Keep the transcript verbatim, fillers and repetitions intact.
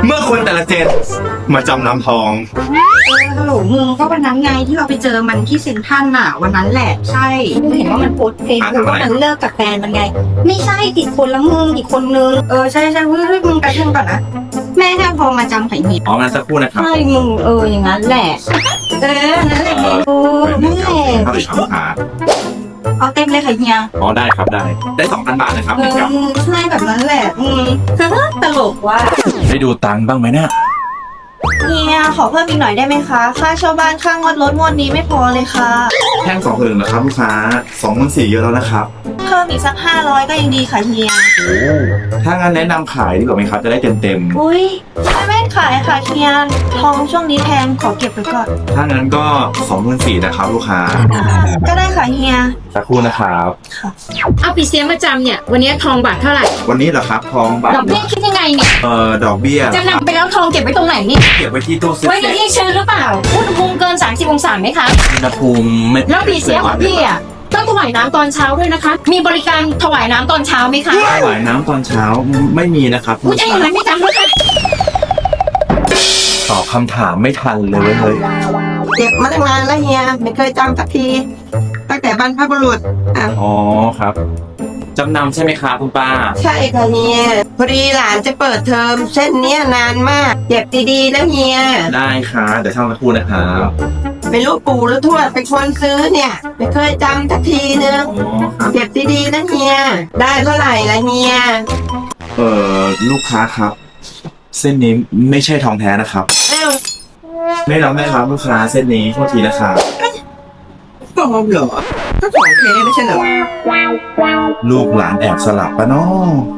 เมื่อคนแต่ละเจนมาจำนำทองเออฮัลโหลมึงก็วันนั้นไงที่เราไปเจอมันที่เซ็นทรัลน่ะวันนั้นแหละใช่มึงเห็นว่ามันโพสเฟซบุ๊กว่ามันเลิกกับแฟนมันไงไม่ใช่ติดคนละมึงอีกคนนึงเออใช่ใช่เฮ้ยมึงไปเรื่องก่อนนะแม่แค่พอมาจำไข่เหี่ยวอ๋อมาสักครู่นะครับใช่มึงเอออย่างนั้นแหละเออนั่นแหละเออนั่นแหละเข้าไปครับหาเอาเต็มเลยค่ะเฮียอ๋อได้ครับได้ได้สองพันบาทนะครับเอนี่อครับใช่แบบนั้นแหละอืมตลกว่ะได้ดูตังค์บ้างไหมเนี่ยเฮียขอเพิ่มอีกหน่อยได้ไหมคะค่าเช่าบ้านค่างวดรถงวดนี้ไม่พอเลยค่ะแท่งสองหมื่นนะครับลูกค้าสองหมื่นสี่เยอะแล้วนะครับเพิ่มอีกสักห้าร้อยก็ยังดีค่ะเฮียโอ้ถ้างั้นแนะนำขายดีกว่าไหมครับจะได้เต็มเต็มอุ้ยไม่ไม่ขายค่ะเฮียทองช่วงนี้แพงขอเก็บไว้ก่อนๆถ้างั้นก็สองหมื่นสี่นะครับลูกค้าก็ได้ค่ะเฮียสักครู่นะครับเอาปีเสียมาจำเนี่ยวันนี้ทองบาทเท่าไหร่วันนี้เหรอครับทองบาทดอกเบี้ยคิดยังไงเนี่ยเอ่อดอกเบี้ยจำนำไปแล้วทองเก็บไว้ตรงไหนนี่เก็บไว้ที่ตู้เซฟไว้ในที่ชื้นหรือเปล่าอุณหภูมิเกิน สามสิบ องศาไหมคะอุณหภูมิไม่แล้วปีเสียของพี่อ่ะต้องถวายน้ำตอนเช้าด้วยนะคะ มีบริการถวายน้ำตอนเช้าไหมคะถวายน้ำตอนเช้าไม่มีนะครับผู้ชายอย่างไรไม่จำด้วยค่ะตอบคำถามไม่ทันเลยเว้ยเฮ้ยเก็บมาตั้งนานแล้วเฮียไม่เคยจำสักทีตั้งแต่บรรพบุรุษอ่ะอ๋อครับจำนำใช่ไหมครับคุณป้าใช่ค่ะเฮียพอดีหลานจะเปิดเทอมเส้นเนี้ยนานมากเก็บดีๆนะเฮียได้ครับเดี๋ยวช่างสักครู่นะครับเป็นลูกปู่แล้วทวดเป็นคนซื้อเนี่ย ไม่เคยจำสักทีนึงอ๋อครับเก็บดีๆนะเฮียได้เท่าไหร่ละเฮียเอ่อลูกค้าครับ เส้นนี้ไม่ใช่ทองแท้นะครับอ้าวไม่รับไหมครับลูกค้าเส้นนี้โทษทีนะครับปลอมเหรอก็ของเทไม่ใช่เหรอลูกหลานแอบสลับปะเนาะ